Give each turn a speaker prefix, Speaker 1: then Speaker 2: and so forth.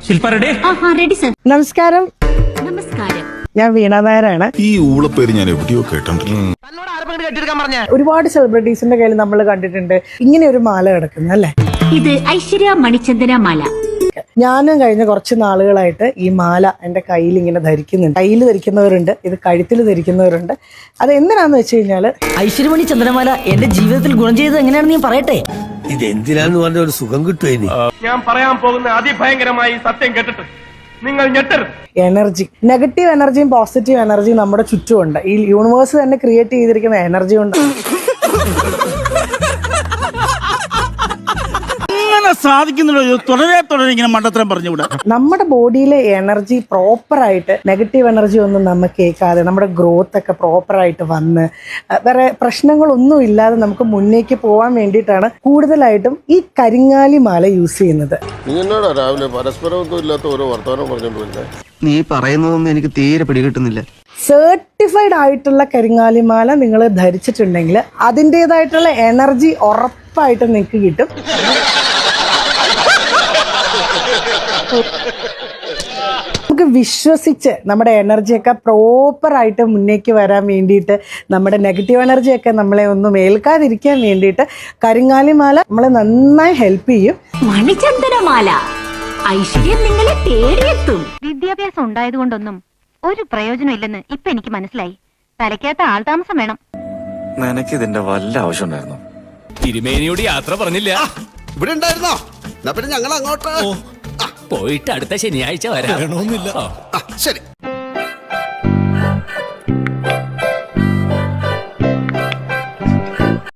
Speaker 1: Ready sir.
Speaker 2: നമസ്കാരം.
Speaker 1: നമസ്കാരം.
Speaker 2: ഞാൻ വീണ നായരാണ്.
Speaker 3: ഈ ഊളപ്പേര് ഞാൻ എവിടെയോ കേട്ടിട്ടുണ്ട്.
Speaker 2: ഒരുപാട് സെലിബ്രിറ്റീസിന്റെ കയ്യിൽ നമ്മൾ കണ്ടിട്ടുണ്ട് ഇങ്ങനെ ഒരു മാല കിടക്കുന്നത് അല്ലേ.
Speaker 1: ഇത് ഐശ്വര്യ മണിചന്ദന മാല.
Speaker 2: ഞാനും കഴിഞ്ഞ കുറച്ച് നാളുകളായിട്ട് ഈ മാല എന്റെ കയ്യിൽ ഇങ്ങനെ ധരിക്കുന്നുണ്ട്. കയ്യിൽ ധരിക്കുന്നവരുണ്ട്, ഇത് കഴുത്തിൽ ധരിക്കുന്നവരുണ്ട്. അത് എന്തിനാന്ന് വെച്ച് കഴിഞ്ഞാല്
Speaker 4: ഐശ്വര്യമണി ചന്ദ്രമാല എന്റെ ജീവിതത്തിൽ ഗുണം ചെയ്തത് എങ്ങനെയാണെന്ന് ഞാൻ പറയട്ടെ.
Speaker 5: ഇതെന്തിനാന്ന് പറഞ്ഞ ഒരു സുഖം കിട്ടുമേനി.
Speaker 6: ഞാൻ പറയാൻ പോകുന്ന അതിഭയങ്കരമായി സത്യം കേട്ടിട്ട് നിങ്ങൾ ഞെട്ടരുത്.
Speaker 2: എനർജി, നെഗറ്റീവ് എനർജിയും പോസിറ്റീവ് എനർജിയും നമ്മുടെ ചുറ്റുമുണ്ട്. ഈ യൂണിവേഴ്സ് തന്നെ ക്രിയേറ്റ് ചെയ്തിരിക്കുന്ന എനർജി കൊണ്ട്
Speaker 7: സാധിക്കുന്നുണ്ടോ? തുടരെ ഇങ്ങനെ മണ്ടത്തരം പറഞ്ഞുകൂടാ.
Speaker 2: നമ്മുടെ ബോഡിയിലെ എനർജി പ്രോപ്പറായിട്ട്, നെഗറ്റീവ് എനർജി ഒന്നും നമുക്ക് കേൾക്കാതെ നമ്മുടെ ഗ്രോത്ത് ഒക്കെ പ്രോപ്പറായിട്ട് വന്ന് വേറെ പ്രശ്നങ്ങളൊന്നും ഇല്ലാതെ നമുക്ക് മുന്നേക്ക് പോകാൻ വേണ്ടിയിട്ടാണ് കൂടുതലായിട്ടും ഈ കരിങ്ങാലി മാല യൂസ് ചെയ്യുന്നത്.
Speaker 8: നീ എന്നോടാ രാവിലെ പരസ്പരമൊന്നും ഇല്ലാത്ത ഓരോ വർത്തമാനം പറഞ്ഞോണ്ടില്ല.
Speaker 5: നീ പറയുന്നതൊന്നും എനിക്ക് തീരെ പിടികിട്ടുന്നില്ല.
Speaker 2: സർട്ടിഫൈഡ് ആയിട്ടുള്ള കരിങ്ങാലി മാല നിങ്ങൾ ധരിച്ചിട്ടുണ്ടെങ്കിൽ അതിൻ്റെതായിട്ടുള്ള എനർജി ഉറപ്പായിട്ടും നിങ്ങൾക്ക് കിട്ടും. നമുക്ക് വിശ്വസിച്ച് നമ്മുടെ എനർജിയൊക്കെ പ്രോപ്പറായിട്ട് മുന്നേക്ക് വരാൻ വേണ്ടിയിട്ട്, നമ്മുടെ നെഗറ്റീവ് എനർജിയൊക്കെ നമ്മളെ ഒന്നും ഏൽക്കാതിരിക്കാൻ വേണ്ടിയിട്ട് കരിങ്ങാലി മാല നമ്മളെ നന്നായി ഹെൽപ്പ് ചെയ്യും.
Speaker 1: മണിചന്ദനമാല ഐശ്വര്യം നിങ്ങളെ തേടിയെത്തും.
Speaker 9: വിദ്യാഭ്യാസം ഉണ്ടായതുകൊണ്ടൊന്നും ഒരു പ്രയോജനം ഇല്ലെന്ന് ഇപ്പൊ എനിക്ക് മനസ്സിലായി. തലയ്ക്കകത്ത് ആൾതാമസം വേണം.
Speaker 10: നിനക്ക് ഇതിന്റെ വല്ല ആവശ്യം ഉണ്ടായിരുന്നു?
Speaker 11: തിരുമേനിയോട് യാത്ര പറഞ്ഞില്ല.
Speaker 5: ഇവിടെ ഉണ്ടായിരുന്നോ? പിന്നെ ഞങ്ങൾ അങ്ങോട്ട്
Speaker 11: പോയിട്ട് അടുത്ത ശനിയാഴ്ച വരാം.
Speaker 5: ശരി.